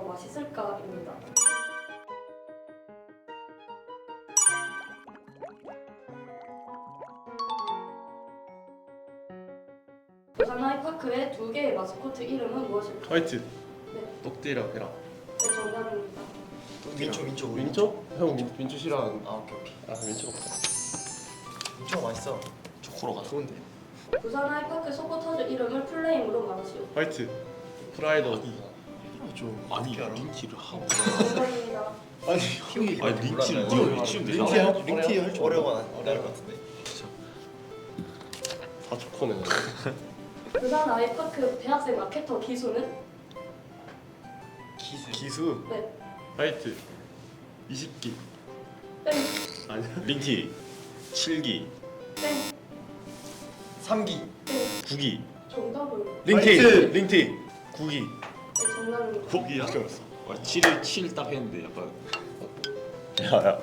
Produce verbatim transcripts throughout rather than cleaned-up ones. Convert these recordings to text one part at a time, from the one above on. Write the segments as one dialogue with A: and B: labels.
A: 맛있을까입니다. 부산 아이파크의 두 개의 마스코트 이름은 무엇일까요?
B: 화이트.
A: 네.
B: 똑띠랑 베라.
A: 네, 정답입니다.
C: 민초 민초
B: 민초? 형 민, 민초 싫어하는.
C: 아 오케이 오케이.
B: 아 민초 먹자.
C: 민초가 맛있어. 초코로가 좋은데.
A: 부산 아이파크 서포터즈 이름을 풀네임으로 말하시오.
B: 화이트. 프라이더.
C: 좀
D: 아니
C: 어떻게 알아?
D: 링티를 하고
A: 정답입니다.
B: 아니
C: 형이
D: 아니 링티를
C: 몰랐나요?
D: 네가 왜 치면 되냐?
C: 링티
B: 어려워?
C: 링티 할줄 어려워 어려울 것 같은데.
B: 다 초코네.
A: 부산 아이파크 대학생 마케터 기수는?
C: 기술.
B: 기수.
A: 네.
B: 화이트. 이십 기.
A: 땡.
B: 아니야.
D: 링티 칠 기
A: 땡.
C: 삼 기.
A: 땡.
D: 구 기
A: 정답은?
B: 링티.
C: 화이트.
B: 링티. 구 기.
A: 네, 정답입니다.
D: 구 기야? 와 칠을 칠 딱 했는데 약간 야야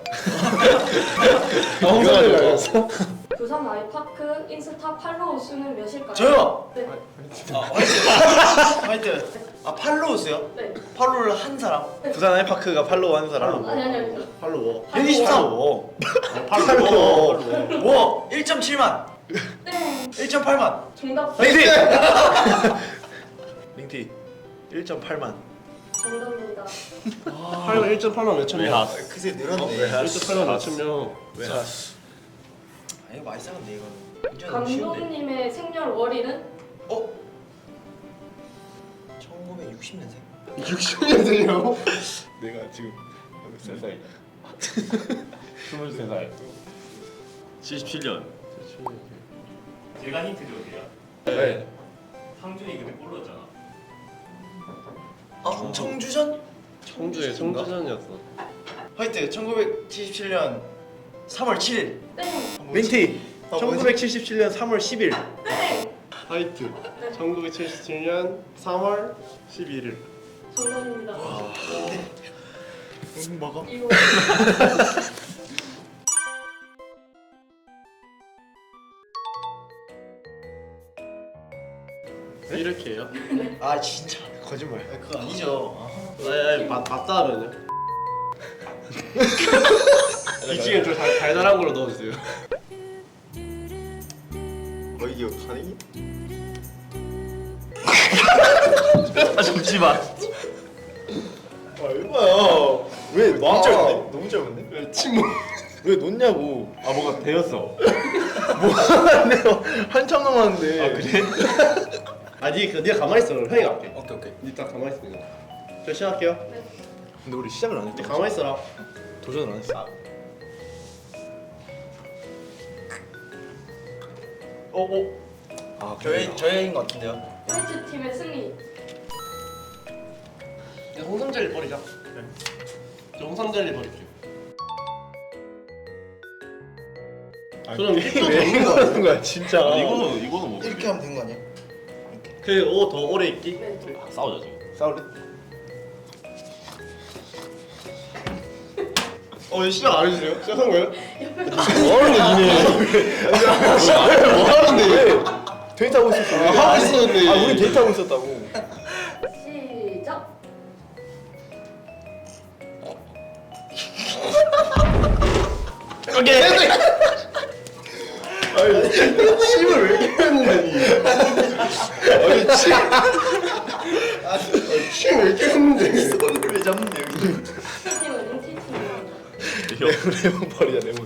B: 아 홍삼이 알았어?
A: 부산 아이파크 인스타 팔로우 수는 몇일까요?
C: 저요.
A: 네.
C: 아 화이트. 화이트. 아 팔로우스요?
A: 네.
C: 팔로우를 한 사람.
E: 부산 아이파크가 팔로우 하는 사람.
A: 아니 아니 아니.
B: 팔로워.
C: 백이십삼.
E: 팔로워.
C: 팔로우. 와 일 점 칠만.
A: 땡.
C: 일 점 팔만.
A: 정답.
E: 링티. 링티 일 점 팔만.
A: 정답입니다.
B: 팔만 일 점 팔만 몇천 명.
C: 그새 늘었네.
E: 왜?
B: 일 점 팔만 몇천 명.
E: 왜?
C: 자. 아 이거 많이 싸는데 이거는. 이제 너무 쉬운데.
A: 감독님의 생년월일은?
C: 어? 천구백육십 년생.
B: 육십 년생이라고? 내가 지금 몇 살이야? 스물세 살.
D: 칠십칠 년
F: 제가 힌트 줘도 돼요?
B: 네.
F: 상준이 그때 골 넣었잖아.
C: 아 청주전?
B: 청주에 청주전이었어.
C: 화이트 천구백칠십칠 년 삼월 칠일.
A: 땡.
E: 링티
C: 아,
E: 천구백칠십칠 년 삼월 십일.
A: 땡.
B: 화이트. 천구백칠십칠 년 삼월 십일일.
A: 정답입니다.
C: 무슨 먹어?
A: 이거
B: 이렇게 해요?
C: 아 진짜
E: 거짓말.
C: 아, 그거 아니죠. 아.
B: 아니 아니 맞, 맞다 하면요? 이 중에 좀 달, 달달한 걸로 넣어주세요.
E: 어 이게 가능이?
C: 아 잠시만.
E: 아 이거야. 왜 너무 짧은데? 너무 짧은데?
B: 침묵.
E: 왜 놓냐고.
D: 아 뭐가 되었어
E: 뭐하는데요? 한참 남았는데.
D: 아 그래?
B: 아 니, 그, 니가 가만히 있어. 형이 갈게.
C: 오케이 오케이.
B: 니 딱 가만히 있어. 이거. 저 시작할게요.
E: 근데 우리 시작을 안
B: 니
E: 했다.
B: 가만히 있어라.
E: 도전을 안 했어.
B: 어, 어.
E: 아
C: 저희 저희인 것 같은데요.
A: 화이트 팀의 승리.
B: 야, 홍삼 젤리 버리자. 저 홍삼 젤리 버릴게요. 그럼 입도
E: 왜
B: 없는
E: 이거
B: 거
E: 하는 거야 진짜.
D: 아, 이거는 이거는 뭐
C: 이렇게 하면 되는 거 아니야?
B: 그옷 더 오래 입기?
A: 네. 좀.
D: 아, 싸우자 지금
E: 싸울래?
B: 어, 시작 안 해주세요? 시작한 거예요?
E: 뭐 하는 거야 니네? 뭐 하는데? 데이트하고 있었어.
B: 아, 하고 있었는데.
E: 아 우리 데이트하고 있었다고.
A: 시작.
B: 오케이. 아니, 침을 왜 이렇게 했는데? 아니, 침. 아니, 침왜 이렇게 했는데?
C: 손을 왜 잡는데 여기?
A: 팀은 링티 팀입니다.
E: 레몬 버리자 레몬.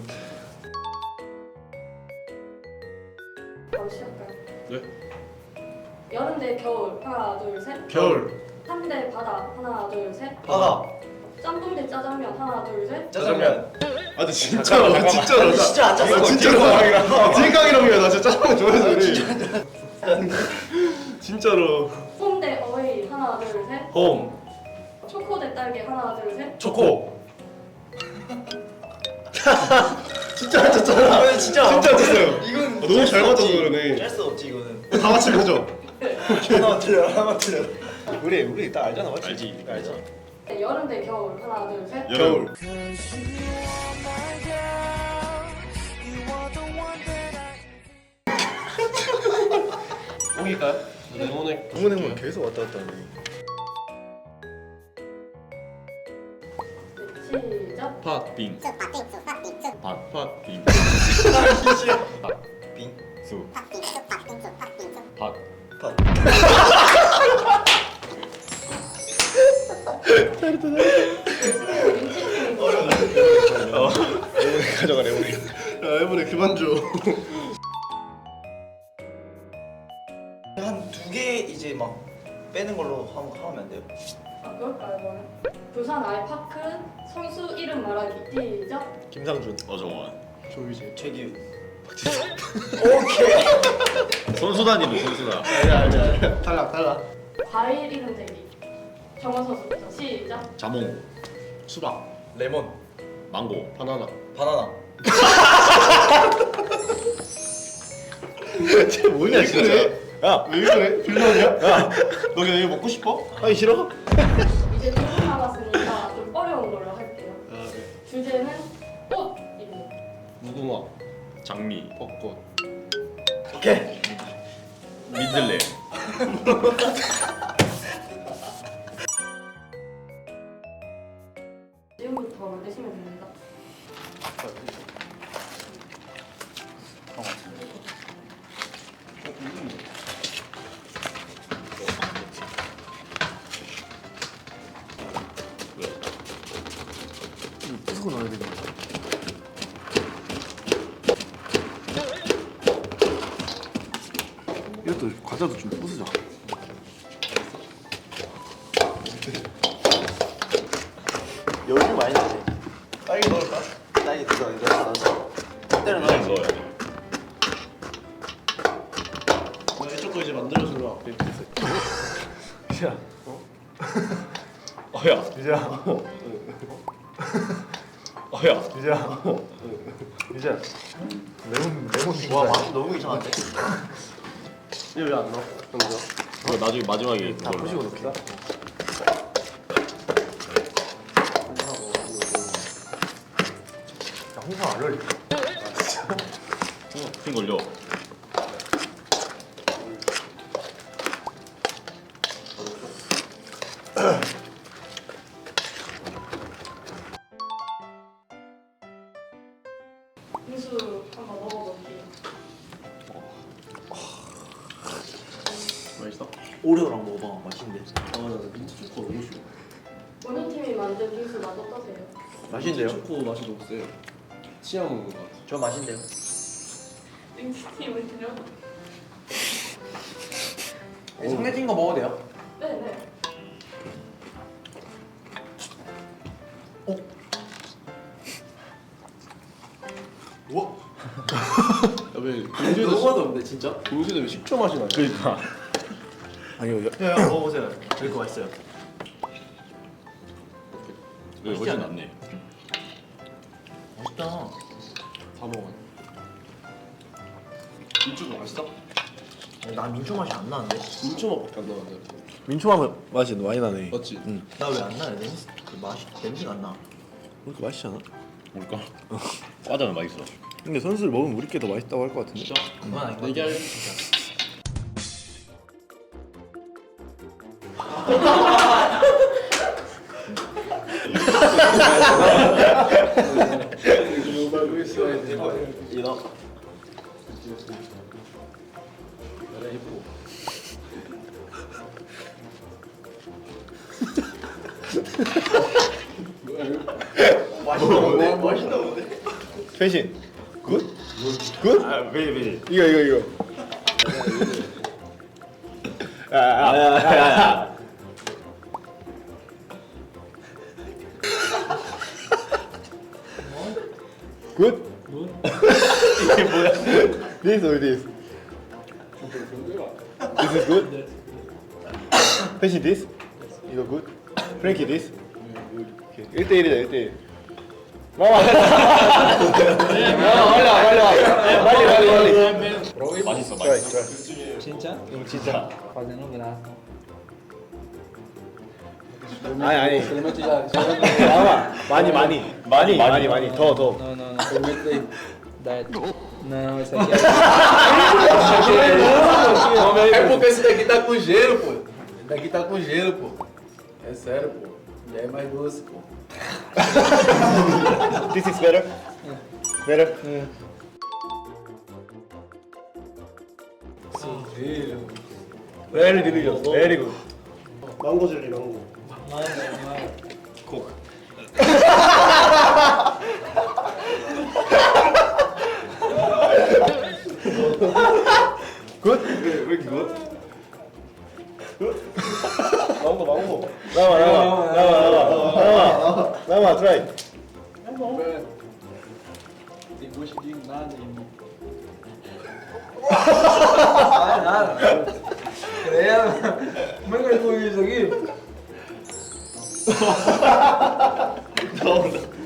A: 바로 시작할까요?
B: 네.
A: 여름 대 겨울 하나 둘 셋.
B: 겨울.
A: 한대 바다 하나 둘 셋.
C: 바다.
A: 짬뽕 대 짜장면 하나 둘 셋.
C: 짜장면.
B: 아, 근데 진짜로, 진짜로.
C: 아니, 진짜 안 짰어.
B: 나 진짜로. 딜강이랑이야. 나 진짜 짜장면 좋아해서 그래. 진짜로.
A: 홈 대 어웨이 하나 둘 셋.
B: 홈.
A: 초코 대 딸기 하나 둘 셋.
B: 초코. 진짜 안 짰잖아.
C: 아 진짜.
B: 진짜 안 짰어요.
C: 이건
B: 너무 잘 맞아서 그러네.
C: 짤수 없지 이거는.
B: 다 맞힌 거죠?
C: 하나만 틀려 하나만 틀려.
E: 우리 우리 딱 알잖아 맞지?
D: 알지.
E: 알잖아.
A: 네, 여름 대 겨울 하나 둘 셋.
D: 여름
B: 옮길까요? 네, 오늘
E: 동문행문 계속 왔다 갔다 하네.
A: 시작.
D: 팥빙 팥 팥빙 팥빙수 팥
E: 가져가 레몬이.
B: 야 이번에 그만 줘.
C: 한 두 개 이제 막 빼는 걸로 하면, 하면 안 돼요?
A: 아 그럴까요 그러면? 부산 아이파크 선수 이름 말하기 시작.
E: 김상준.
D: 어정원
B: 조이제.
C: 최기우.
D: 선수단이네 선수단.
B: 아니야 아니야 아니야. 탈락 탈락.
A: 과일 이름 대기. 정원 선수부터 시작.
D: 자몽 수박
C: 레몬.
D: 망고
B: 바나나.
C: 바나나.
E: 쟤 뭐냐 진짜.
B: 그래?
E: 야,
B: 왜 그래? 빌런이야?
E: 야,
B: 너 그냥 이거 먹고 싶어?
E: 하기 싫어?
A: 이제 두 분 남았으니까 좀 어려운 걸로 할게요.
B: 아 네.
A: 주제는 꽃 이름.
B: 무궁화.
D: 장미
B: 벚꽃.
C: 오케이.
D: 민들레
A: 지금부터 만드시면 됩니다.
E: 부수고 넣어야 되는 거야. 이것도 과자도 좀 부수자.
C: 여기 많이 나네. 딸기 넣을까? 딸기 넣어, 이거 넣어서. 때려 넣어.
D: 넣어야 돼.
B: 나 이쪽 거 이제 만들어주러 앞에 있어.
E: 이제야,
D: 어야
E: 이제야,
D: 어야
E: 이제야, 이제야. 레몬, 레몬.
C: 와, 맛이 너무 이상한데?
B: 이거 왜 안 넣어? 그럼
D: 이거 나중에 마지막에
E: 다
D: 그걸로.
E: 부시고 넣자. 야, 홍상 안 어울려.
D: 핑 걸려.
A: 빙수 한번 먹어볼게요.
B: 맛있어?
C: 오레오랑 먹어봐. 맛있는데.
B: 아나 민트 초코 너무 싫어.
A: 오늘 팀이 만든 빙수 맛 어떠세요?
C: 맛있는데요?
B: 초코 맛이 너무 세. 치약 먹는 거 같아.
C: 저 맛있는데요?
A: 빙수 팀은요?
C: 상해진 거 먹어도 돼요?
A: 네네.
B: 우와. 야왜 빙수에도
C: 너무 맛없는데 진짜?
B: 빙수에도 왜 식초 맛이 나냐?
D: 그러니까
E: 아니요, 여-
C: 야, 야 먹어보세요. 저기 거 맛있어요.
D: 왜 훨씬 낫네.
C: 맛있다.
B: 다 먹어. 민초도 맛있어?
C: 나 민초 맛이 안 나는데?
B: 민초 맛밖에 안 나는데.
E: 민초맛 맛이 많이 나네.
B: 맞지?
E: 응.
C: 나 왜 안 나요? 냄새, 그 맛이, 냄새가 안 나.
E: 그렇게 맛있잖아.
D: 뭘까? 과자는 맛있어.
E: 근데 선수를 먹으면 우리 게 더 맛있다고 할 것 같은데.
C: 그건 아닌 것
B: 얘기할
C: 같아.
B: 이거.
C: 맛있다, 맛있다.
E: 최신. 굿? 굿?
D: 아왜 왜?
E: 이거 이거 이거. 야야야야. 굿? 이게 뭐야? This or this? This is good? 패시 this? 이거 good? 프랭키 this? 일 대 일이다 일 대 일. 마마. 마마 빨리 와 빨리 와. 빨리 빨리 빨리.
D: 맛있어
E: 좋아
D: 맛있어.
E: 좋아.
G: 진짜?
E: 응 진짜.
G: Fazendo um braço.
E: 아니 아니.
G: Experimento já.
E: 마마 많이 많이 많이 많이 많이 더 더.
G: Não, não, não. Experimenta aí. Diet. Não, esse aqui é.
B: É porque esse daqui tá com gelo, pô. Esse daqui tá com gelo, pô. É sério, pô.
G: É mais doce, pô.
E: This is better. Better. Very delicious. Very good.
B: 망고 젤리 망고.
D: 코크.
E: Good?
B: 왜, 왜 이렇게 굿?
E: 망고 망고. 나와 나와 나와 나와 나와 나와 try.
G: Tem gosto de nada, irmão. Ah, nada. Credo. Como é que ele foi isso aqui?
B: 나온다.